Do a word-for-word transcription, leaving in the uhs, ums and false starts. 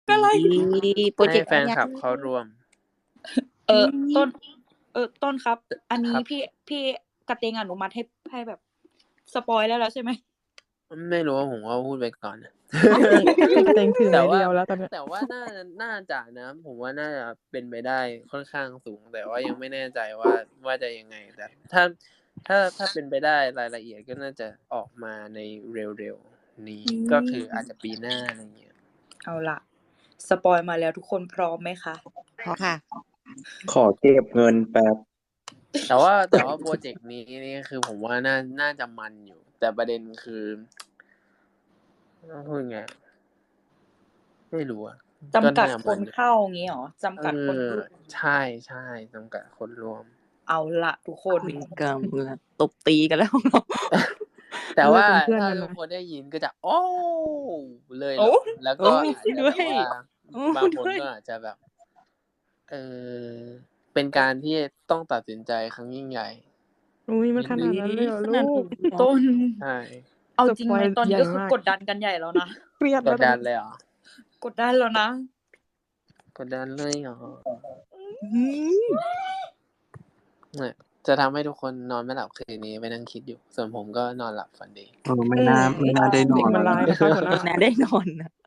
อะไรโปรเจให้กต์แฟนคลับเข้าร่วมเออต้น เออต้นครับ อันนี้ครับพี่พี่กระเตงอนุมัติให้ให้แบบสปอยแล้วแล้วใช่ไหมไม่รู้ว่าผมก็พูดไปก่อนนะให้กระเตงถือแต่ไม้ว่าเดียวแล้วตอนเนี้ยแต่ว่าน่าน่าจะนะ ผมว่าน่าจะเป็นไปได้ค่อนข้างสูง แต่ว่ายังไม่แน่ใจว่าว่าจะยังไง แต่ถ้าถ้าถ้าเป็นไปได้รายละเอียดก็น่าจะออกมาในเร็วๆนี้อืมก็คืออาจจะปีหน้าอะไรเงี้ยเอาล่ะ สปอยมาแล้วทุกคนพร้อมไหมคะพอค่ะขอเก็บเงินแป๊บแต่ว่าแต่ว่าโปรเจกต์นี้นี่คือผมว่าน่าน่าจะมันอยู่ แต่ประเด็นคือต้องพูดไง ไม่รู้อะจำกัดน่าคมัน อยู่เข้างี้เหรอ จำกัดคนเออร่วมใช่ใช่จำกัดคนร่วมเอาล่ะ ทุกคนคุยกันแล้วตบตีกันแล้วเนาะแต่ว่าเลิกเป็นเพื่อนถ้ากันทุกนะคนได้ยินก็จะ โอ้เลยเหรโอ้อ แล้วก็โอ้อาจจะด้แบวยบว่าโอ้บางคนด้วยก็อาจจะแบบ เออ เป็นการที่ต้องตัดสินใจครั้งยิ่งใหญ่อุ๊ย มันขนิดหนึ่งนาดนั้นเลยเหรอขลูนาดกนั้นเหรอ? ต้นใช่เอาสจริงปอไหมยตอนใหนี้ญ่ก็คือมากกดดันกันใหญ่แล้วนะเครียดกแล้วดตอดันนนี้เลยเหรอ? กดดันแล้วนะกดดันเลยเหรอ? อื้อฮือเนี่ย จะทำให้ทุกคนนอนไม่หลับคืนนี้ไปนั่งคิดอยู่ ส่วนผมก็นอนหลับฝันดีเออ ไม่น่า ไม่น่าได้นเด็อก นมันแล้วร้ายนะนะคะหัวหน้าน่าได้นอนน่ะ